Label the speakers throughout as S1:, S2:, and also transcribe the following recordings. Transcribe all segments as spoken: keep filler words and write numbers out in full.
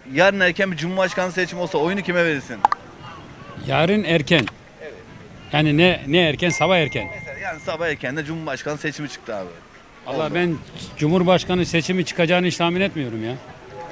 S1: yarın erken bir cumhurbaşkanlığı seçimi olsa oyunu kime verirsin?
S2: Yarın erken. Yani ne ne erken? Sabah erken.
S1: Mesela yani sabah erken de cumhurbaşkanlığı seçimi çıktı abi.
S2: Allah ben Cumhurbaşkanı seçimi çıkacağını hiç tahmin etmiyorum ya.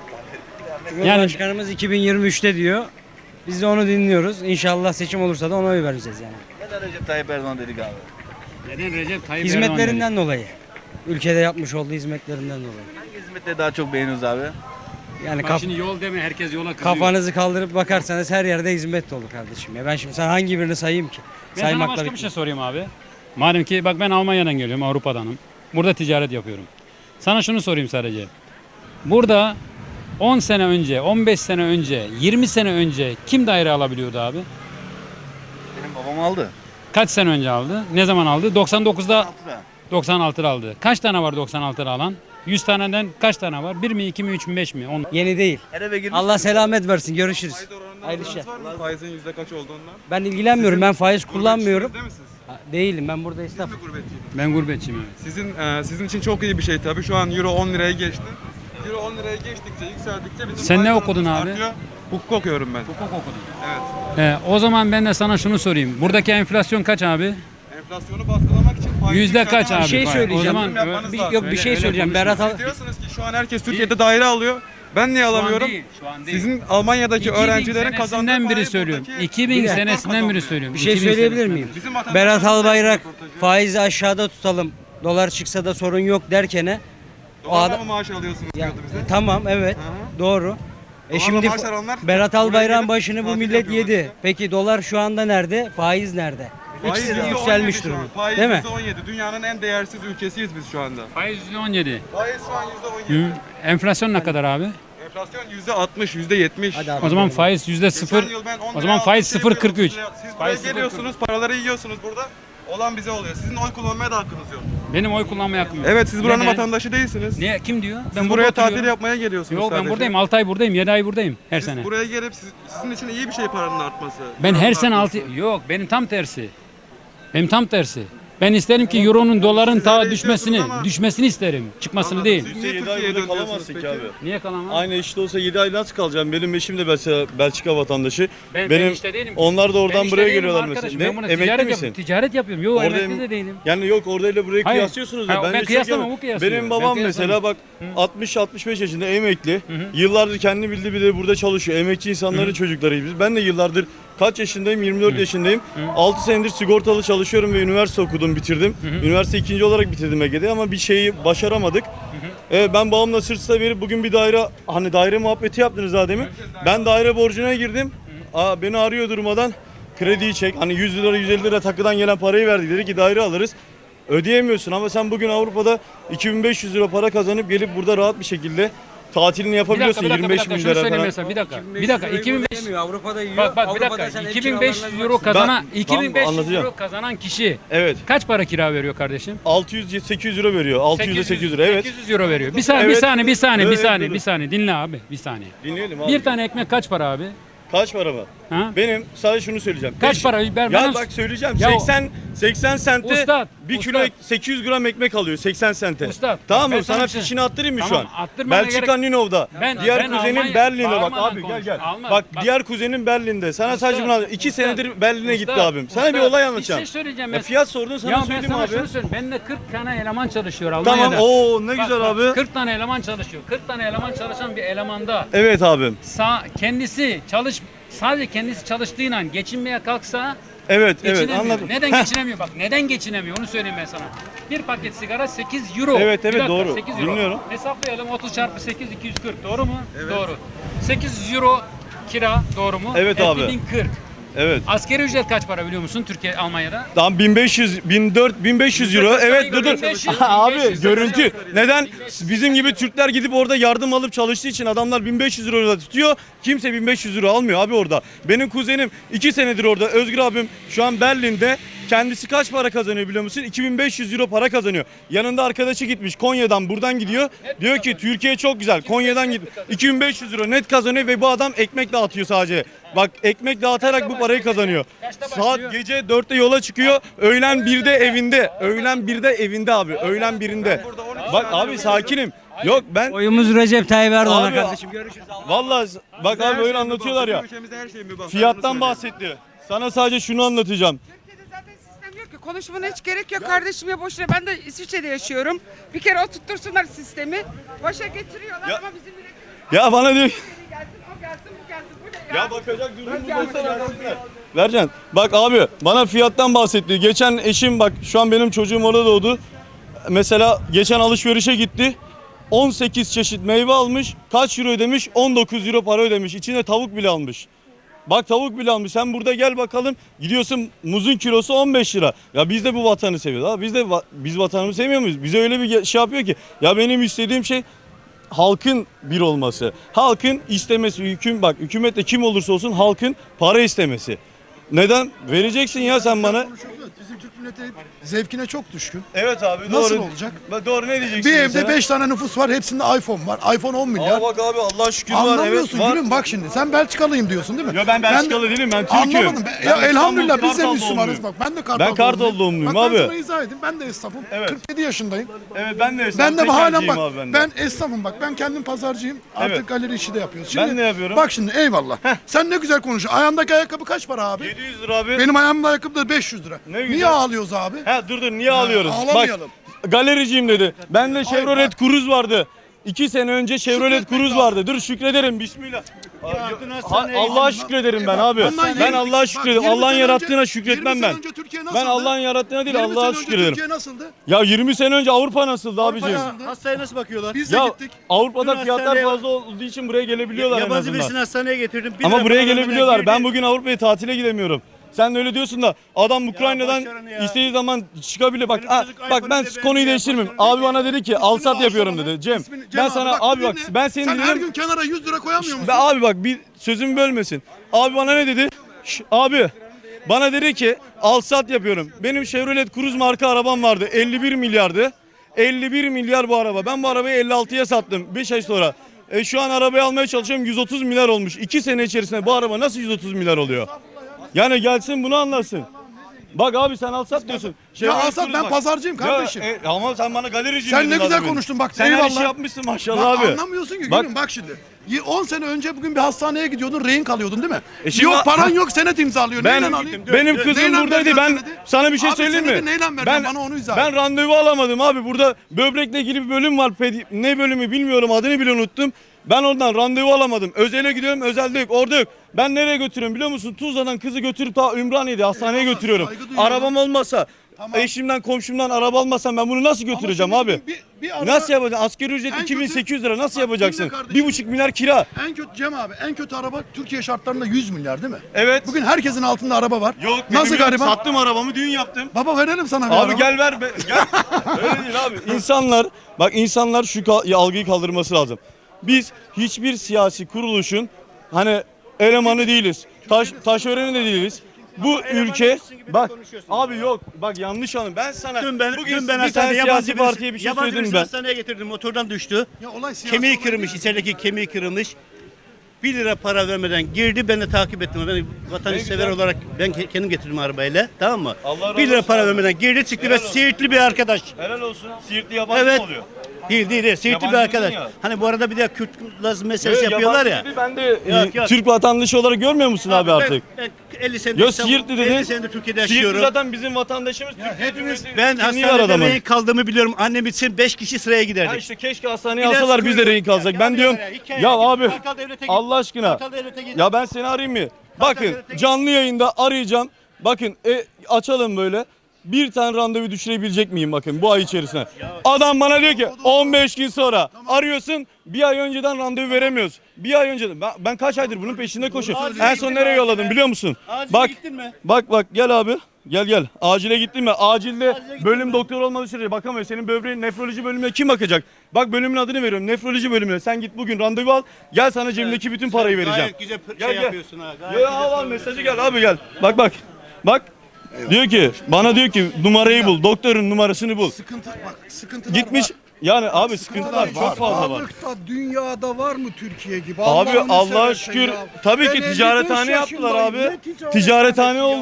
S3: Cumhurbaşkanımız iki bin yirmi üçte diyor. Biz de onu dinliyoruz. İnşallah seçim olursa da ona oy vereceğiz yani.
S1: Neden Recep Tayyip Erdoğan dedik abi?
S2: Neden Recep Tayyip Erdoğan
S3: Hizmetlerinden dolayı. Ülkede yapmış olduğu hizmetlerinden dolayı.
S1: Hangi hizmetleri daha çok beğeniyoruz abi?
S3: Yani
S2: Bak
S3: kaf-
S2: şimdi yol deme herkes yola kızıyor.
S3: kafanızı kaldırıp bakarsanız her yerde hizmet dolu kardeşim. Ya ben şimdi sana hangi birini sayayım ki?
S2: Ben sana
S3: Saymakla
S2: başka bir
S3: bitmez.
S2: şey sorayım abi. Madem ki bak ben Almanya'dan geliyorum, Avrupa'danım. Burada ticaret yapıyorum. Sana şunu sorayım sadece. Burada on sene önce, on beş sene önce, yirmi sene önce kim daire alabiliyordu abi?
S1: Benim babam aldı.
S2: Kaç sene önce aldı? Ne zaman aldı? doksan dokuzda
S1: Altıda.
S2: doksan altıda aldı. Kaç tane var doksan altıda alan? yüz taneden kaç tane var? bir mi, iki mi, üç mü, beş mi? on.
S3: Yeni değil.
S1: Her eve girmiş.
S3: Allah selamet versin. Görüşürüz. Hayırlı işler.
S4: Faizin yüzde kaç olduğundan?
S3: Ben ilgilenmiyorum. Ben faiz kullanmıyorum.
S4: Değil misiniz?
S3: Ha, Değilim. Ben burada esnaf.
S4: Siz mi gurbetçiydiniz?
S2: Ben gurbetçiyim evet.
S4: Sizin e, sizin için çok iyi bir şey tabii. Şu an euro on liraya geçti. Euro on liraya geçtikçe, yükseldikçe bizim
S2: Sen ne
S4: faiz
S2: okudun
S4: oranımız
S2: abi?
S4: artıyor. Hukuk okuyorum ben.
S2: Hukuk okudum.
S4: Evet.
S2: Ee, o zaman ben de sana şunu sorayım. Buradaki enflasyon kaç abi?
S4: Enflasyonu baskılamak için faiz
S2: Yüzde kaç abi?
S3: Bir şey
S2: Faiz?
S3: söyleyeceğim.
S2: O zaman
S4: Yatırım yapmanız
S3: Bir,
S4: lazım.
S3: yok bir
S2: Öyle-
S3: şey
S2: öyle
S3: söyleyeceğim.
S2: konuşma.
S3: Berat al.
S4: Siz diyorsunuz ki şu an herkes Türkiye'de daire alıyor. Ben niye alamıyorum?
S2: değil, şu an değil.
S4: Sizin Almanya'daki
S2: iki bin
S4: öğrencilerin kazandığı
S2: senesinden biri
S4: faiz
S2: söylüyorum.
S4: buradaki-
S2: iki bin
S3: Bir dakika.
S2: senesinden biri söylüyorum.
S3: Bir şey
S2: iki bin
S3: söyleyebilir
S2: senesinden
S3: miyim?
S2: beri.
S4: Bizim vatandaşlarımız
S3: Berat Albayrak
S4: röportajı.
S3: faizi aşağıda tutalım. Dolar çıksa da sorun yok derkene. o
S4: Dolarla
S3: adam-
S4: mı maaş alıyorsunuz
S3: Ya,
S4: diyordu bize.
S3: tamam evet
S4: Hı
S3: doğru. E
S4: Dolarla
S3: şimdi
S4: maaş alanlar
S3: Berat
S4: buraya
S3: Albayrak'ın
S4: gelip
S3: başını bu
S4: tatil
S3: millet
S4: yapıyorlar
S3: yedi.
S4: işte.
S3: Peki dolar şu anda nerede? Faiz nerede?
S4: Faiz
S3: İkisi de
S4: yüzde on yedi
S3: yükselmiş
S4: şu an.
S3: durumda.
S4: Faiz
S3: Değil mi?
S4: yüzde on yedi. Dünyanın en değersiz ülkesiyiz biz şu anda.
S2: Faiz yüzde on yedi.
S4: Faiz şu an yüzde on yedi.
S2: Hı. Enflasyon ne kadar abi?
S4: Enflasyon yüzde altmış, yüzde yetmiş.
S3: Hadi abi.
S2: O zaman faiz yüzde sıfır.
S4: Geçen yıl ben on
S2: O zaman
S4: liraya
S2: faiz
S4: aldım,
S2: sıfır
S4: şey
S2: kırk üç.
S4: yapıyordum, Siz buraya
S2: Faiz sıfır
S4: geliyorsunuz, paraları yiyorsunuz burada. Olan bize oluyor. Sizin oy kullanmaya da hakkınız yok.
S2: Benim oy kullanmaya hakkım yok.
S4: Evet, siz buranın
S2: Neden?
S4: vatandaşı değilsiniz.
S2: Niye? Kim diyor?
S4: Siz
S2: burada
S4: buraya tatil
S2: oturuyorum.
S4: yapmaya geliyorsunuz
S2: Yok ben
S4: sadece.
S2: buradayım. altı ay buradayım. yedi ay buradayım her
S4: Siz
S2: sene.
S4: buraya gelip siz- sizin için iyi bir şey paranın artması.
S2: Ben her
S4: Paranın
S2: sene altı
S4: artması.
S2: yok benim tam tersi. Benim tam tersi. Ben isterim ki euronun doların
S4: Siz
S2: ta
S4: öyle
S2: düşmesini,
S4: istiyorsunuz ama-
S2: düşmesini isterim. Çıkmasını
S4: Anladım.
S2: değil.
S4: Siz
S5: Siz
S4: niye
S5: yedi
S4: Türkiye'ye
S5: ay burada
S4: dönüyorsunuz
S5: kalamazsın ki
S4: peki?
S5: abi.
S2: Niye kalamam?
S5: Aynı işte olsa yedi ay nasıl kalacağım? Benim eşim de mesela Belçika vatandaşı.
S2: Ben- ben
S5: Benim
S2: işte değilim ki.
S5: onlar da
S2: Ben
S5: oradan
S2: işte
S5: buraya
S2: değilim
S5: geliyorlar
S2: arkadaşım.
S5: mesela.
S2: Ben
S5: Ne?
S2: buna
S5: Emekli
S2: ticaret
S5: misin?
S2: yapıyorum. Ticaret yapıyorum. Yok
S5: Orada
S2: emekli
S5: em-
S2: de değilim.
S5: Yani yok oradayla burayı
S2: Hayır.
S5: kıyaslıyorsunuz
S2: Ha,
S5: ya.
S2: ben
S5: bir şey
S2: kıyaslamam,
S5: diyemem.
S2: o kıyaslıyor.
S5: Benim
S2: Ben
S5: babam
S2: kıyaslamam.
S5: mesela bak altmış altmış beş yaşında emekli. Yıllardır kendi bildiği bile burada çalışıyor. Emekçi insanların çocuklarıyız biz. Ben de yıllardır kaç yaşındayım? yirmi dört yaşındayım. altı senedir sigortalı çalışıyorum ve üniversite okudum, bitirdim. Üniversite ikinci olarak bitirdim Ege'de ama bir şeyi başaramadık. Ee, ben babamla sırt sırta verip bugün bir daire, hani daire muhabbeti yaptınız daha demin. Ben daire borcuna girdim. Aa, beni arıyor durmadan. Krediyi çek. Hani yüz lira yüz elli lira takıdan gelen parayı verdik. Dedi ki daire alırız. Ödeyemiyorsun ama sen bugün Avrupa'da iki bin beş yüz lira para kazanıp gelip burada rahat bir şekilde tatilini
S2: Bir dakika,
S5: yapabiliyorsun.
S2: bir dakika, bir
S5: yirmi beş
S2: dakika.
S5: bin
S2: Şunu
S5: lira
S2: söyleyeyim
S5: falan.
S2: mesela. Bir dakika. Bir dakika. iki bin beş yüz
S3: Avrupa'da yiyor.
S2: Bak bak bir
S3: Avrupa'da
S2: dakika.
S3: sen ev
S2: iki bin beş yüz
S3: kiralarına
S2: euro
S3: baksana.
S2: kazanan
S5: Ben-
S2: iki bin beş yüz
S5: anlatacağım.
S2: euro kazanan kişi
S5: Evet.
S2: kaç para kira veriyor kardeşim?
S5: altı yüz sekiz yüz euro veriyor. altı yüz ile sekiz yüz lira. Evet.
S2: sekiz yüz euro veriyor. Bir saniye, bir
S5: Evet.
S2: saniye, bir saniye, bir
S5: Evet,
S2: saniye,
S5: evet.
S2: bir saniye. Dinle abi, bir saniye.
S5: Dinleyelim abi.
S2: Bir tane ekmek kaç para abi?
S5: Kaç para mı?
S2: Ha?
S5: Benim sadece şunu söyleyeceğim.
S2: Kaç
S5: Beş-
S2: para? Ben-
S5: Ya
S2: bana-
S5: bak söyleyeceğim.
S2: Ya o-
S5: seksen seksen sente
S2: Ustad,
S5: bir kilo
S2: ustad.
S5: ek- sekiz yüz gram ekmek alıyor seksen sente.
S2: Ustad,
S5: Tamam
S2: ben
S5: mı?
S2: sana
S5: Sana
S2: bir şey-
S5: fişini attırayım mı
S2: Tamam,
S5: şu an?
S2: attırmana
S5: Belçika
S2: gerek-
S5: Ninov'da.
S2: Ben-
S5: diğer
S2: ben
S5: kuzenin
S2: Almanya-
S5: Berlin'de bak
S2: bağırmadan
S5: abi gel
S2: konuş.
S5: gel.
S2: Alman-
S5: Bak,
S2: bak.
S5: diğer kuzenin Berlin'de. Sana
S2: Ustad,
S5: sadece bunu iki
S2: ustad,
S5: senedir Berlin'e gitti
S2: ustad,
S5: abim. Sana bir
S2: ustad,
S5: olay
S2: Bir
S5: anlatacağım.
S2: şey söyleyeceğim
S5: Ya
S2: ben.
S5: fiyat sordun sana
S2: Ya ben
S5: söyleyeyim
S2: sana
S5: abi.
S2: şunu söyleyeyim. Bende kırk tane eleman çalışıyor Almanya'da.
S5: Tamam. Oo ne
S2: Bak,
S5: güzel
S2: bak,
S5: abi.
S2: kırk tane eleman çalışıyor. kırk tane eleman çalışan bir elemanda
S5: Evet abim.
S2: sağ kendisi çalış sadece kendisi çalıştığıyla geçinmeye kalksa
S5: Evet evet
S2: geçinemiyor.
S5: anladım.
S2: Neden
S5: Heh.
S2: geçinemiyor? Bak neden geçinemiyor onu söyleyeyim ben sana. Bir paket sigara sekiz euro.
S5: Evet,
S2: Bir
S5: evet,
S2: dakika,
S5: doğru.
S2: sekiz euro.
S5: Dinliyorum.
S2: Hesaplayalım otuz çarpı sekiz iki yüz kırk doğru mu? Doğru. sekiz euro kira doğru mu?
S5: Evet
S2: Etti
S5: abi.
S2: bin kırk.
S5: Evet.
S2: Asgari ücret kaç para biliyor musun Türkiye Almanya'da?
S5: Tamam bin beş yüz, bin dört yüz, bin beş yüz euro.
S2: Yüzde
S5: Evet dur dur.
S2: bin beş yüz,
S5: Abi
S2: bin beş yüz.
S5: görüntü. Neden? Bizim gibi Türkler gidip orada yardım alıp çalıştığı için adamlar bin beş yüz euro da tutuyor. Kimse bin beş yüz euro almıyor abi orada. Benim kuzenim iki senedir orada. Özgür abim şu an Berlin'de. Kendisi kaç para kazanıyor biliyor musun? iki bin beş yüz euro para kazanıyor. Yanında arkadaşı gitmiş Konya'dan buradan gidiyor. Diyor ki Türkiye çok güzel. Konya'dan git. iki bin beş yüz euro net kazanıyor ve bu adam ekmek dağıtıyor sadece. Bak ekmek dağıtarak bu parayı kazanıyor.
S2: Kaçta başlıyor?
S5: Saat gece dörtte yola çıkıyor. Öğlen birde evinde. Öğlen birde evinde abi. Öğlen birinde. Bak abi sakinim. Yok ben
S3: Oyumuz Recep Tayyip Erdoğan'a
S5: Abi,
S3: kardeşim. Görüşürüz.
S5: vallahi bak abi öyle anlatıyorlar ya.
S4: Ülkemizde her şey mübah.
S5: Fiyattan bahsetti. Sana sadece şunu anlatacağım.
S6: Türkiye'de zaten sistem yok ki. Konuşmana hiç gerek yok kardeşim ya boşuna. Ben de İsviçre'de yaşıyorum. Bir kere oturtursunlar sistemi. Başa getiriyorlar
S5: Ya-
S6: ama bizim milletimiz
S5: Ya bana diyor ki-
S6: gelsin, o gelsin, bu gelsin. Bu ne ya?
S5: Ya bakacak durumumuz olsa versinler. Vercan bak abi bana fiyattan bahsetti. Geçen eşim bak şu an benim çocuğum orada doğdu. Mesela geçen alışverişe gitti. on sekiz çeşit meyve almış. Kaç euro ödemiş? on dokuz euro para ödemiş. İçine tavuk bile almış. Bak tavuk bile almış. Sen burada gel bakalım. Gidiyorsun muzun kilosu on beş lira. Ya biz de bu vatanı seviyoruz. Abi biz de va- biz vatanımızı sevmiyor muyuz? Bize öyle bir ge- şey yapıyor ki. Ya benim istediğim şey halkın bir olması. Halkın istemesi. Hüküm bak hükümette kim olursa olsun halkın para istemesi. Neden? Vereceksin ya sen bana.
S7: Konuşuyoruz. Bizim Türk milleti zevkine çok düşkün.
S5: Evet abi
S7: Nasıl
S5: doğru.
S7: olacak?
S5: Bak doğru ne diyeceksin?
S7: Bir
S5: mesela?
S7: evde beş tane nüfus var. Hepsinde iPhone var. iPhone on milyar.
S5: Aa bak abi Allah'a şükür var.
S7: Anlamıyorsun
S5: Evet, var.
S7: gülüm bak şimdi. Sen Belçikalıyım diyorsun değil mi?
S5: Yo ben Belçikalı değilim ben Türk'üm.
S7: Anlamadım. Ben-
S5: Ben
S7: ya
S5: İstanbul,
S7: elhamdülillah biz de
S5: Kartal
S7: Müslümanız
S5: doğumluyum.
S7: bak. Ben de Kartal
S5: Ben Kartal doğumluyum
S7: bak,
S5: abi.
S7: Ben sana izah edeyim. Ben de esnafım.
S5: Evet.
S7: kırk yedi yaşındayım.
S5: Evet ben de
S7: Ben
S5: esnaf
S7: de halen
S5: tekelciyim
S7: bak.
S5: abi ben
S7: Ben,
S5: de.
S7: esnafım bak. Ben kendim pazarcıyım. Artık
S5: Evet.
S7: galeri işi de yapıyoruz.
S5: Ben ne yapıyorum?
S7: Bak şimdi eyvallah. Sen ne güzel konuşuyorsun. Ayağındaki ayakkabı kaç para abi?
S5: yedi yüz lira abi.
S7: Benim ayağımda ayakkabı da beş yüz lira.
S5: Ne güzel.
S7: Niye ağlıyoruz abi?
S5: Ha dur dur niye ağlıyoruz?
S7: ağlamayalım.
S5: Bak galericiyim dedi. Bende Chevrolet
S7: bak.
S5: Cruze vardı. İki sene önce Chevrolet
S7: Şükretmek
S5: Cruze
S7: lazım.
S5: vardı. Dur şükrederim bismillah.
S3: Yardım
S5: Ha-
S3: hastaneye
S5: Allah'a
S7: gidin.
S5: şükrederim ben
S7: Bak,
S5: abi.
S7: bundan
S5: Ben
S7: yirmi-
S5: Allah'a
S7: bak,
S5: şükrederim.
S7: yirmi
S5: Allah'ın
S7: sene
S5: yarattığına
S7: önce-
S5: şükretmem
S7: yirmi
S5: ben.
S7: sene önce Türkiye
S5: Ben
S7: nasıldı?
S5: Allah'ın yarattığına değil
S7: yirmi
S5: Allah'a
S7: sene önce
S5: şükrederim.
S7: Türkiye nasıldı?
S5: Ya yirmi sene önce Avrupa nasıldı abicim?
S7: nasıldı?
S8: Hastaya nasıl bakıyorlar?
S7: Biz de
S5: Ya
S7: gittik.
S5: Avrupa'da
S8: Dün
S5: fiyatlar
S8: hastaneye-
S5: fazla olduğu için buraya gelebiliyorlar en
S8: Yabancı
S5: azından.
S8: birisini hastaneye getirdim. Bir
S5: Ama
S8: lira
S5: buraya
S8: para vermeden
S5: gelebiliyorlar. Ben
S8: girdi.
S5: bugün Avrupa'ya tatile gidemiyorum. Sen de öyle diyorsun da adam Ukrayna'dan
S8: boş verin ya.
S5: istediği zaman çıkabilir. Bak
S8: Benim
S5: ha,
S8: çocuk
S5: bak
S8: iPhone'u
S5: ben
S8: bile
S5: konuyu
S8: beğenmiyor,
S5: değiştirmeyeyim.
S8: boş verin.
S5: Abi bana dedi ki al sat yapıyorum dedi. Cem
S7: İsmini- Cem
S5: ben sana
S7: bak,
S5: abi
S7: bir
S5: bak
S7: dinle.
S5: ben senin
S7: Sen her
S5: dedim.
S7: gün kenara yüz lira koyamıyor musun?
S5: Be abi bak bir sözümü bölmesin. Abi bana ne dedi? Şş, abi bana dedi ki al sat yapıyorum. Benim Chevrolet Cruze marka arabam vardı. elli bir milyardı. elli bir milyar bu araba. Ben bu arabayı elli altıya sattım beş ay sonra. E şu an arabayı almaya çalışıyorum yüz otuz milyar olmuş. iki sene içerisinde bu araba nasıl yüz otuz milyar oluyor? Yani gelsin bunu anlasın. Bak abi sen al sat diyorsun.
S7: Ya
S5: Chevrolet
S7: al sat,
S5: Cruze
S7: ben
S5: bak.
S7: pazarcıyım kardeşim.
S5: Ya, e, ama sen bana galerici
S7: Sen
S5: dedin
S7: ne
S5: az
S7: güzel
S5: önce.
S7: konuştun bak,
S5: Sen her
S7: eyvallah.
S5: işi yapmışsın maşallah
S7: Bak,
S5: abi.
S7: anlamıyorsun ki
S5: Bak-
S7: gülüm bak şimdi. on sene önce bugün bir hastaneye gidiyordun, rehin kalıyordun değil mi?
S5: E şimdi-
S7: yok paran yok, senet imzalıyor.
S5: Ben
S7: Neyle alayım?
S5: benim kızım
S7: Neyle
S5: buradaydı.
S7: vereceğim
S5: Ben
S7: senedi?
S5: sana bir şey
S7: Abi
S5: söyleyeyim mi?
S7: senedi neyle vereceğim?
S5: Ben
S7: Bana onu izah
S5: ben
S7: et.
S5: randevu alamadım abi. Burada böbrekle ilgili bir bölüm var. Pedi- ne bölümü bilmiyorum. Adını bile unuttum. Ben oradan randevu alamadım. Özele gidiyorum. Özelde yok. Orada yok. Ben nereye götürüyorum biliyor musun? Tuzla'dan kızı götürüp ta Ümraniye'de hastaneye
S7: Eyvallah,
S5: götürüyorum.
S7: saygı duyuyorum.
S5: Arabam olmasa,
S7: Tamam.
S5: eşimden, komşumdan araba almasam ben bunu nasıl götüreceğim
S7: Ama
S5: abi?
S7: şimdi Bir, bir araba-
S5: Nasıl yapacaksın? Asgari ücret
S7: En
S5: iki bin sekiz yüz
S7: kötü-
S5: lira nasıl
S7: Bak,
S5: yapacaksın?
S7: dinle kardeşim.
S5: Bir buçuk milyar kira.
S7: En kötü Cem abi, en kötü araba Türkiye şartlarında yüz milyar değil mi?
S5: Evet.
S7: Bugün herkesin altında araba var.
S5: Yok.
S7: Nasıl
S5: benim yok.
S7: gariban?
S5: Sattım arabamı düğün yaptım.
S7: Baba verelim sana bir
S5: Abi
S7: araba.
S5: gel ver be. Gel. Öyle değil abi. İnsanlar bak insanlar şu ka- algıyı kaldırması lazım. Biz hiçbir siyasi kuruluşun hani elemanı değiliz. Taş taşöreni de değiliz. Bu ülke bak abi yok bak yanlış anladın. Ben sana
S8: Dün ben,
S5: bugün
S8: dün ben
S5: bir
S8: hastanede
S5: tane
S8: yabancı
S5: siyasi
S8: birisi,
S5: partiye bir şey
S8: yabancı
S5: söyledim
S8: birisini
S5: ben.
S8: hastaneye getirdim. Motordan düştü.
S7: Ya olay siyasi
S8: Kemiği
S7: olay
S8: kırılmış.
S7: değil.
S8: İçerideki kemiği kırılmış. bir lira para vermeden girdi. Ben de takip ettim. Ben vatansever
S5: güzel.
S8: olarak ben ke- kendim getirdim arabayla. Tamam mı?
S5: Allah razı
S8: bir lira
S5: olsun
S8: para
S5: abi.
S8: vermeden girdi çıktı
S5: Helal
S8: ve
S5: olsun.
S8: Siirtli bir arkadaş.
S5: Helal olsun. Siirtli yabancı
S8: Evet.
S5: mı oluyor?
S8: Değil değil değil. Siirtli bir
S5: Yabancı
S8: arkadaş.
S5: dedin ya.
S8: Hani bu arada bir de Kürt lazım meselesi
S5: Evet,
S8: yapıyorlar ya.
S5: yabancı dedi, Ben de
S8: Yok,
S5: e,
S8: yok.
S5: Türk vatandaşı olarak görmüyor musun abi,
S8: ben-
S5: artık?
S8: Ben, elli senedir
S5: Yo
S8: İstanbul-
S5: Siirtli dedin.
S8: elli senedir Türkiye'de
S5: Siirtli
S8: yaşıyorum.
S5: zaten bizim vatandaşımız. Türkiye
S7: hepimiz-
S5: Cumhuriyeti
S8: Ben
S5: kimliği var
S8: hastanede
S5: adamın.
S8: rehin kaldığımı biliyorum. Annem için beş kişi sıraya giderdik.
S5: Ha işte keşke hastaneye
S8: İlaç
S5: alsalar biz de
S8: kuyruğu-
S5: rehin kalsak.
S8: Ya,
S5: Ben
S8: ya,
S5: diyorum
S8: ya, hikaye
S5: ya
S8: git,
S5: abi
S8: Kartal Devlet'e git.
S5: Allah aşkına
S8: Kartal Devlet'e git.
S5: ya ben seni arayayım mı? Bakın
S8: Devlet'e git.
S5: canlı yayında arayacağım. Bakın e, açalım böyle. Bir tane randevu düşürebilecek miyim bakın bu ay içerisinde. Adam bana diyor ki on beş gün sonra arıyorsun bir ay önceden randevu veremiyoruz. Bir ay önceden ben, ben kaç aydır bunun peşinde koşuyorum.
S8: Acile
S5: En son
S8: gittin
S5: nereye
S8: mi
S5: yolladım
S8: acile?
S5: biliyor musun?
S8: Acile
S5: Bak
S8: gittin mi?
S5: bak bak gel abi. Gel gel. Acile gittin mi? Acilde
S8: Acile gittin
S5: bölüm
S8: mi?
S5: doktor olmadığı sürece bakamıyor. Senin böbreğin nefroloji bölümüne kim bakacak? Bak bölümün adını veriyorum. Nefroloji bölümüne. Sen git bugün randevu al. Gel sana cebimdeki bütün parayı
S8: Sen
S5: vereceğim.
S8: Gayet güzel
S5: Gel,
S8: şey
S5: gel.
S8: yapıyorsun ha. Gayet
S5: Ya
S8: güzel
S5: al al
S8: söylüyorsun.
S5: mesajı gel abi gel. Bak bak. Bak. Diyor ki bana diyor ki numarayı bul. Doktorun numarasını bul.
S7: Sıkıntı bak, sıkıntılar
S5: Gitmiş.
S7: var.
S5: Yani abi sıkıntılar çok fazla var.
S9: Sağlıkta dünyada var mı Türkiye gibi?
S5: Abi
S9: Allah'ını
S5: Allah'a
S9: seversen
S5: şükür
S9: ya.
S5: tabii
S9: Ben
S5: ki
S9: elli beş
S5: ticarethane yaptılar
S9: yaşındayım.
S5: abi.
S9: Ne ticarethanesi
S5: Ticarethane
S9: ya?
S5: oldu.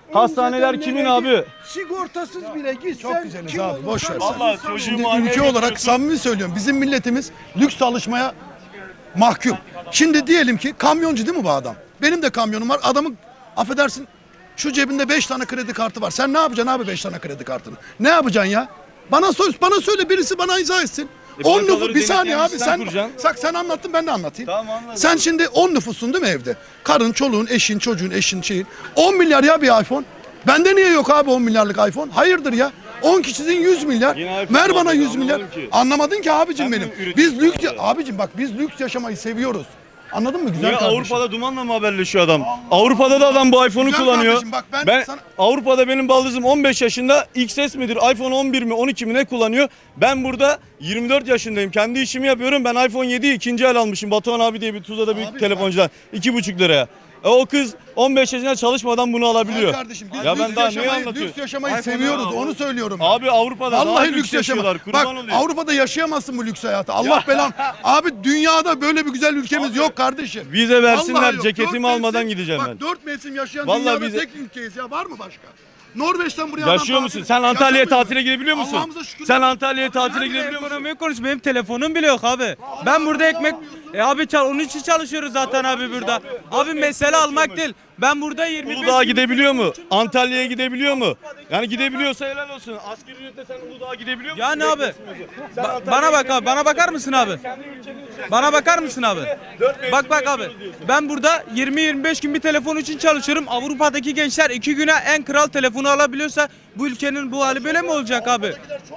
S5: Hastaneler
S9: Önceden
S5: kimin
S9: nereye
S5: abi?
S9: git, Sigortasız bile gitsen.
S7: Çok güzeliz
S9: kim
S7: abi,
S9: olur?
S7: boş ver.
S5: Vallahi
S7: Şimdi
S5: çocuğumu
S7: ülke
S5: anneye
S7: olarak
S5: götürüyorsun.
S7: samimi söylüyorum. Bizim milletimiz lüks çalışmaya mahkum. Şimdi diyelim ki kamyoncu değil mi bu adam? Benim de kamyonum var. Adamın affedersin şu cebinde beş tane kredi kartı var. Sen ne yapacaksın abi beş tane kredi kartını? Ne yapacaksın ya? Bana söyle, bana söyle birisi bana izah etsin.
S5: E,
S7: on
S5: bankaları
S7: nüfus bir saniye
S5: denetleyen
S7: abi
S5: sen
S7: sen
S5: kuracaksın.
S7: sak sen anlattın ben de anlatayım.
S5: Tamam, anladım.
S7: Sen şimdi on nüfusun değil mi evde? Karın, çoluğun, eşin, çocuğun, eşin, şeyin. on milyar ya bir iPhone. Bende niye yok abi on milyarlık iPhone? Hayırdır ya? on kişinin yüz milyar.
S5: Yine iPhone
S7: Ver bana
S5: aldım,
S7: yüz milyar.
S5: anlamadım ki.
S7: Anlamadın ki abicim
S5: Sen
S7: benim.
S5: mi üretiyorsun
S7: Biz lüks
S5: abi?
S7: abicim bak biz lüks yaşamayı seviyoruz. Anladın mı güzel
S5: Niye
S7: kardeşim?
S5: Avrupa'da dumanla mı haberleşiyor adam? Avrupa'da da adam bu iPhone'u
S7: Güzel
S5: kullanıyor.
S7: kardeşim, bak ben
S5: ben
S7: sana-
S5: Avrupa'da benim baldızım on beş yaşında X S midir, iPhone on bir mi, on iki mi ne kullanıyor? Ben burada yirmi dört yaşındayım. Kendi işimi yapıyorum. Ben iPhone yediyi ikinci el almışım. Batuhan abi diye bir Tuzla'da bir
S7: Abi
S5: telefoncudan. iki buçuk liraya. E o kız on beş yaşında çalışmadan bunu alabiliyor.
S7: Güzel kardeşim biz
S5: Ya
S7: lüks
S5: ben daha neyi
S7: yaşamayı,
S5: anlatıyorum?
S7: lüks yaşamayı
S5: iPhone
S7: seviyoruz
S5: ya.
S7: onu söylüyorum. ben.
S5: Abi Avrupa'da daha
S7: Vallahi
S5: lüks
S7: lüks yaşama.
S5: yaşıyorlar.
S7: Bak
S5: Kurban olayım.
S7: Avrupa'da yaşayamazsın bu lüks hayatı. Allah belam. Abi dünyada böyle bir güzel ülkemiz yok kardeşim.
S5: Vize versinler,
S7: Vallahi yok.
S5: ceketimi
S7: Dört
S5: almadan
S7: mevsim-
S5: gideceğim
S7: bak,
S5: ben.
S7: dört mevsim yaşayan
S5: Vallahi
S7: dünyada
S5: vize-
S7: tek ülkeyiz ya. Var mı başka? Norveç'ten buraya adam
S5: Yaşıyor
S7: tatil-
S5: musun? Sen Antalya'ya
S7: Yaşamıyor
S5: tatile
S7: mu?
S5: gidebiliyor musun?
S7: Allah'ımıza şükür.
S5: Sen Antalya'ya tatile
S7: Nerede
S5: gidebiliyor musun?
S3: Ekonomiyi konuş, benim telefonum bile yok abi. Ben burada ekmek... E abi çal, onun için çalışıyoruz zaten abi burada. Abi mesele almak değil. Ben burada yirmi beş...
S5: Uludağ'a gidebiliyor mu? Antalya'ya gidebiliyor mu? Yani gidebiliyorsa helal olsun. Asgari ücretle sen Uludağ'a gidebiliyor musun?
S3: Yani abi. Ba- bana bak abi, bana bakar mısın abi? Bana bakar mısın abi? Bak bak abi. Ben burada yirmi yirmi beş gün bir telefon için çalışıyorum. Avrupa'daki gençler iki güne en kral telefonu alabiliyorsa bu ülkenin bu hali böyle mi olacak abi?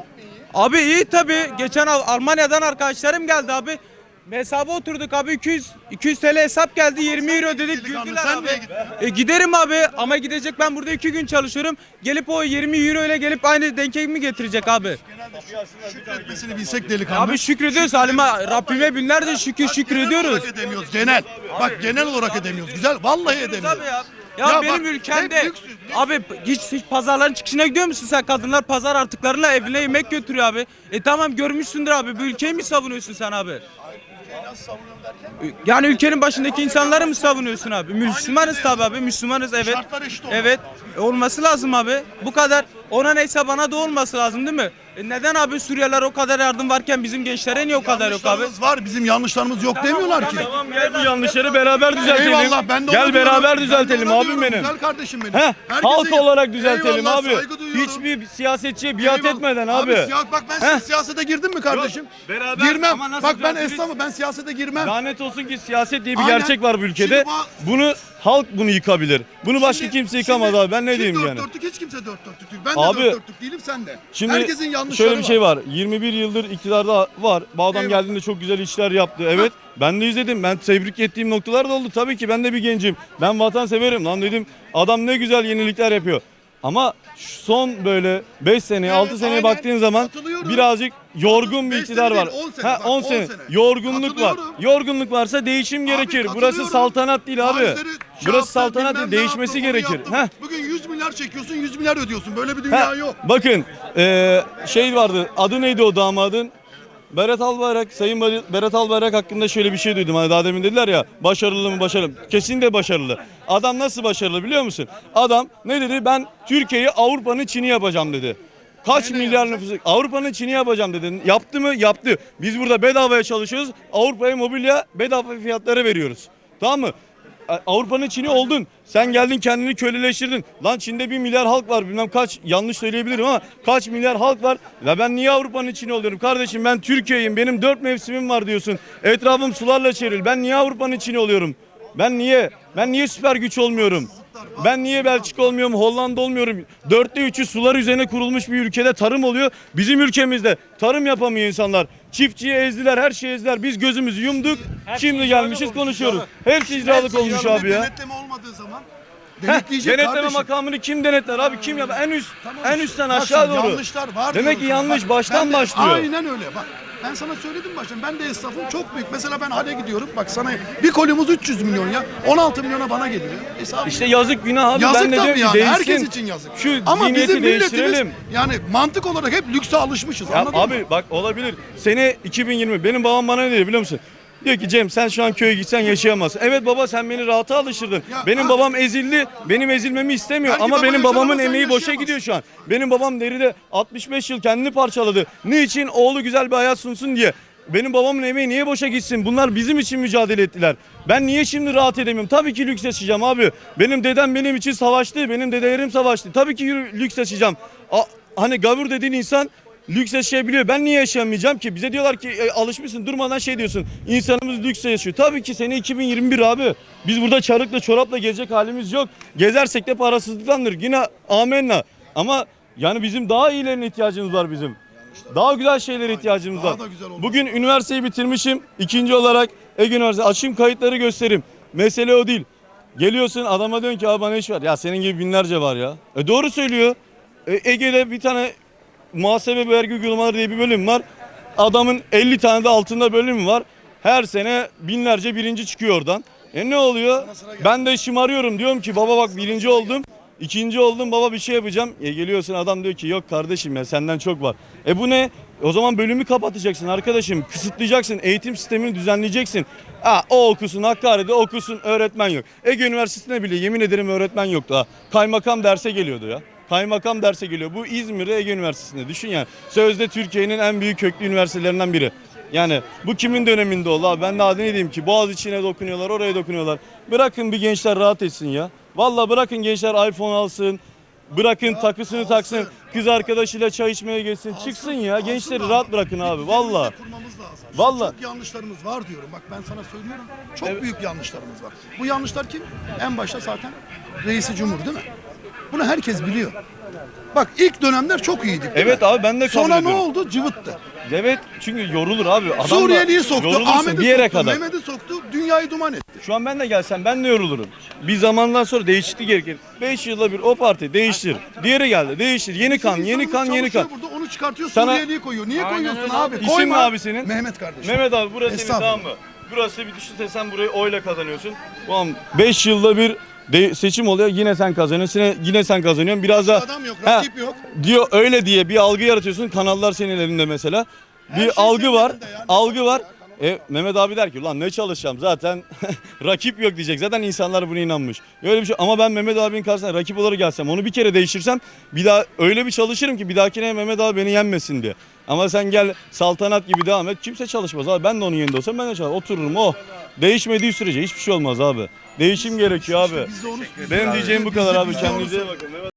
S3: Abi iyi tabii. Geçen Al- Almanya'dan arkadaşlarım geldi abi. Hesaba oturduk abi iki yüz iki yüz T L hesap geldi yirmi euro dedik
S7: Delikanlı,
S3: güldüler
S7: sen
S3: abi.
S7: niye gittin?
S3: E, giderim abi ama gidecek ben burada iki gün çalışıyorum. Gelip o yirmi euro ile gelip aynı denkemi getirecek abi.
S7: Şükretmesini bilsek delikanlı.
S3: Abi şükrediyoruz halime Rabbime binlerce şükür
S7: Genel
S3: şükrediyoruz.
S7: olarak edemiyoruz genel. Bak genel olarak edemiyoruz. Güzel vallahi edemiyoruz.
S3: Abi ya. Ya,
S7: Ya
S3: benim
S7: bak,
S3: ülkemde
S7: hep lüks, lüks.
S3: abi hiç, hiç pazarların çıkışına gidiyor musun sen? Kadınlar pazar artıklarıyla evine yemek götürüyor abi. E tamam görmüşsündür abi. Bu ülkeyi mi savunuyorsun sen abi? Yani ülkenin başındaki insanları mı savunuyorsun abi? Müslümanız tabi abi. Müslümanız evet.
S7: Şartlar eşit olmalı.
S3: Evet. E, olması lazım abi. Bu kadar. Ona neyse bana da olması lazım değil mi? E neden abi Suriyeliler o kadar yardım varken bizim gençlere niye o kadar yok abi?
S7: Yanlışlarımız var. Bizim yanlışlarımız yok demiyorlar ki.
S5: Tamam gel bu yanlışları beraber düzeltelim.
S7: Eyvallah ben de ona
S5: Gel
S7: diyorum.
S5: beraber
S7: Ben de
S5: düzeltelim
S7: ona
S5: abim
S7: diyorum.
S5: benim.
S7: Güzel kardeşim benim.
S5: Heh,
S7: Herkese-
S5: halk olarak düzeltelim
S7: Eyvallah,
S5: abi.
S7: saygı duyuyorum.
S5: Hiçbir siyasetçiye biat
S7: Eyvallah.
S5: etmeden abi.
S7: siya- bak ben
S5: Heh.
S7: siyasete girdim mi kardeşim?
S5: Yok, beraber
S7: girmem.
S5: ama nasıl
S7: Bak ben
S5: düzeltiriz?
S7: esnafım ben siyasete girmem.
S5: Lanet olsun ki siyaset diye bir
S7: Aynen.
S5: gerçek var bu ülkede.
S7: Şimdi bu-
S5: Bunu halk bunu yıkabilir. Bunu başka
S7: Şimdi-
S5: kimse yıkamaz
S7: şimdi-
S5: abi. Ben ne
S7: şimdi
S5: diyeyim
S7: dört
S5: yani?
S7: dörtlük hiç kimse dört dörtlük değil. Ben de
S5: Abi,
S7: dört dörtlük değilim sen de.
S5: Şimdi
S7: Herkesin yanlışları
S5: şöyle bir şey var. yirmi bir yıldır iktidarda var. Bu adam
S7: Eyvallah.
S5: geldiğinde çok güzel işler yaptı. Evet. Ben de izledim. Ben tebrik ettiğim noktalar da oldu. Tabii ki ben de bir gencim. Ben vatan severim lan dedim. Adam ne güzel yenilikler yapıyor. Ama şu son böyle beş seneye
S7: Evet,
S5: altı seneye
S7: aynen.
S5: baktığın zaman
S7: Katılıyorum.
S5: birazcık yorgun bir
S7: Beş
S5: iktidar
S7: sene
S5: var.
S7: değil, on sene
S5: Ha
S7: bak,
S5: on
S7: on
S5: sene.
S7: sene.
S5: Yorgunluk var.
S7: Katılıyorum.
S5: Yorgunluk varsa değişim gerekir. Burası
S7: katılıyorum.
S5: saltanat değil abi.
S7: Faizleri şey
S5: Burası
S7: yaptı,
S5: saltanat
S7: bilmem
S5: değil.
S7: ne
S5: Değişmesi
S7: yaptı, onu
S5: gerekir.
S7: yaptı.
S5: Heh.
S7: Bugün yüz milyar çekiyorsun yüz milyar ödüyorsun. Böyle bir dünya
S5: Ha,
S7: yok.
S5: bakın eee, şey vardı adı neydi o damadın? Berat Albayrak, Sayın Bar- Berat Albayrak hakkında şöyle bir şey duydum. Hani daha demin dediler ya başarılı mı başarılı mı? Kesinlikle başarılı. Adam nasıl başarılı biliyor musun? Adam ne dedi? Ben Türkiye'yi Avrupa'nın Çin'i yapacağım dedi. Kaç milyar nüfusu? Avrupa'nın Çin'i yapacağım dedi. Yaptı mı? Yaptı. Biz burada bedavaya çalışıyoruz. Avrupa'ya mobilya bedava fiyatlara veriyoruz. Tamam mı? Avrupa'nın Çin'i oldun. Sen geldin kendini köleleştirdin. Lan Çin'de bir milyar halk var. Bilmem kaç yanlış söyleyebilirim ama kaç milyar halk var. Ve ben niye Avrupa'nın Çin'i oluyorum? Kardeşim ben Türkiye'yim. Benim dört mevsimim var diyorsun. Etrafım sularla çevrili. Ben niye Avrupa'nın Çin'i oluyorum? Ben niye? Ben niye süper güç olmuyorum? Ben niye Belçika olmuyorum, Hollanda olmuyorum? Dörtte üçü sular üzerine kurulmuş bir ülkede tarım oluyor. Bizim ülkemizde tarım yapamıyor insanlar. Çiftçiyi ezdiler, her şeyi ezdiler. Biz gözümüzü yumduk. Şimdi gelmişiz konuşuyoruz. Hepsi icralık olmuş abi ya.
S7: Denetleme olmadığı zaman
S5: Heh,
S7: denetleyecek
S5: denetleme
S7: kardeşim.
S5: makamını kim denetler abi? Kim yapar? En üst,
S7: Tamam
S5: en
S7: işte.
S5: üstten
S7: Bak
S5: aşağı
S7: şimdi
S5: doğru.
S7: Yanlışlar var.
S5: Demek ki
S7: diyorum sana.
S5: yanlış
S7: Bak,
S5: baştan
S7: ben de-
S5: başlıyor.
S7: Aynen öyle. Bak ben sana söyledim baştan. Ben de esnafım çok büyük. Mesela ben hale gidiyorum. Bak sana bir kolumuz üç yüz milyon ya. on altı milyona bana geliyor. Hesabı
S5: İşte yazık günah abi.
S7: yazık
S5: ben de
S7: tabii
S5: diyorum ki
S7: yani.
S5: değişsin.
S7: Herkes için yazık.
S5: Şu
S7: Ama
S5: zihniyeti
S7: bizim milletimiz
S5: değiştirelim.
S7: yani mantık olarak hep lükse alışmışız.
S5: Ya
S7: Anladın
S5: abi
S7: mı?
S5: bak olabilir. Sene iki bin yirmi benim babam bana ne dedi biliyor musun? Diyor ki Cem sen şu an köye gitsen yaşayamazsın. Evet baba sen beni rahata alıştırdın.
S7: Ya,
S5: Benim
S7: ha.
S5: babam ezildi. Benim ezilmemi istemiyor.
S7: Belki
S5: Ama
S7: baba
S5: benim
S7: yaşar
S5: babamın
S7: ama sen
S5: emeği boşa
S7: yaşayamazsın.
S5: gidiyor şu an. Benim babam deride altmış beş yıl kendini parçaladı. Niçin? Oğlu güzel bir hayat sunsun diye. Benim babamın emeği niye boşa gitsin? Bunlar bizim için mücadele ettiler. Ben niye şimdi rahat edemiyorum? Tabii ki lüks yaşayacağım abi. Benim dedem benim için savaştı. Benim dedelerim savaştı. Tabii ki yürü- lüks yaşayacağım. A- hani gavur dediğin insan lüks yaşayabiliyor. Ben niye yaşayamayacağım ki? Bize diyorlar ki e, alışmışsın durmadan şey diyorsun. İnsanımız lüks yaşıyor. Tabii ki sene iki bin yirmi bir abi. Biz burada çarıkla çorapla gezecek halimiz yok. Gezersek de parasızlıktandır. Yine amenna. Ama yani bizim daha iyilerine ihtiyacımız var bizim. Daha güzel şeylere ihtiyacımız
S7: Daha
S5: var.
S7: da güzel olmaz.
S5: Bugün üniversiteyi bitirmişim. İkinci olarak Ege Üniversitesi. Açayım kayıtları göstereyim. Mesele o değil. Geliyorsun adama diyorsun ki abi bana iş ver. Ya senin gibi binlerce var ya. E doğru söylüyor. E, Ege'de bir tane muhasebe ve vergi uygulamaları diye bir bölüm var. Adamın elli tane de altında bölüm var. Her sene binlerce birinci çıkıyor oradan. E ne oluyor? Ben de şımarıyorum diyorum ki baba bak birinci oldum. İkinci oldum baba bir şey yapacağım. E geliyorsun adam diyor ki yok kardeşim ya senden çok var. E bu ne? O zaman bölümü kapatacaksın arkadaşım. Kısıtlayacaksın. Eğitim sistemini düzenleyeceksin. Ha, o okusun Hakkari'de okusun öğretmen yok. Ege Üniversitesi'nde bile yemin ederim öğretmen yoktu ha. Kaymakam derse geliyordu ya. Kaymakam derse geliyor. Bu İzmir'de Ege Üniversitesi'nde. Düşün yani. Sözde Türkiye'nin en büyük köklü üniversitelerinden biri. Yani bu kimin döneminde oldu abi? Ben daha ne diyeyim ki? Boğaz içine dokunuyorlar, oraya dokunuyorlar. Bırakın bir gençler rahat etsin ya. Vallahi bırakın gençler iPhone alsın. Bırakın takısını taksın. Kız arkadaşıyla çay içmeye geçsin. Çıksın ya. Gençleri rahat bırakın abi. Vallahi.
S7: Kurmamız lazım.
S5: Vallahi.
S7: Çok yanlışlarımız var diyorum. Bak ben sana söylüyorum. Çok büyük yanlışlarımız var. Bu yanlışlar kim? En başta zaten reisi cumhur değil mi? Bunu herkes biliyor. Bak ilk dönemler çok iyiydik değil
S5: Evet
S7: mi?
S5: abi ben de kabul
S7: Sonra ne
S5: ediyorum.
S7: oldu? Cıvıttı.
S5: Evet çünkü yorulur abi. Adam da
S7: Suriyeli'yi soktu,
S5: yorulursun
S7: Ahmet'i
S5: bir yere
S7: soktu,
S5: kadar.
S7: Mehmet'i soktu, dünyayı duman etti.
S5: Şu an ben de gelsem ben de yorulurum. Bir zamandan sonra değişiklik gerekir. beş yılda bir o parti değiştir. Diğeri geldi değiştir. Yeni kan, yeni kan, yeni kan.
S7: Burada onu çıkartıyor,
S5: Sana-
S7: Suriyeli'yi koyuyor. Niye koyuyorsun abi?
S5: İsim
S7: Koyma.
S5: ne abi senin?
S7: Mehmet kardeşim.
S5: Mehmet abi burası senin
S7: Estağfurullah.
S5: tamam mı? Burası bir düşünse sen burayı oyla kazanıyorsun. Ulan beş yılda bir de seçim oluyor yine sen kazanıyorsun yine, yine sen kazanıyorsun. Biraz da
S7: Adam yok,
S5: Ha,
S7: rakip yok.
S5: diyor öyle diye bir algı yaratıyorsun. Kanallar senin elinde mesela. Bir
S7: şey
S5: algı
S7: senin
S5: var.
S7: elinde ya, ne
S5: Algı var.
S7: çalışıyor
S5: E, Mehmet abi der ki ulan ne çalışacağım zaten rakip yok diyecek. Zaten insanlar buna inanmış. Öyle bir şey ama ben Mehmet abinin karşısına rakip olarak gelsem onu bir kere değiştirsem bir daha öyle bir çalışırım ki bir dahakine Mehmet abi beni yenmesin diye. Ama sen gel saltanat gibi devam et. Kimse çalışmaz abi. Ben de onun yerinde olsam ben de çalışırım. Otururum o. Değişmediği sürece hiçbir şey olmaz abi. Değişim gerekiyor abi.
S7: Biz de onu-
S5: Benim diyeceğim bu kadar
S7: Biz de-
S5: abi.
S7: biz de onu
S5: Kendinize iyi bakın.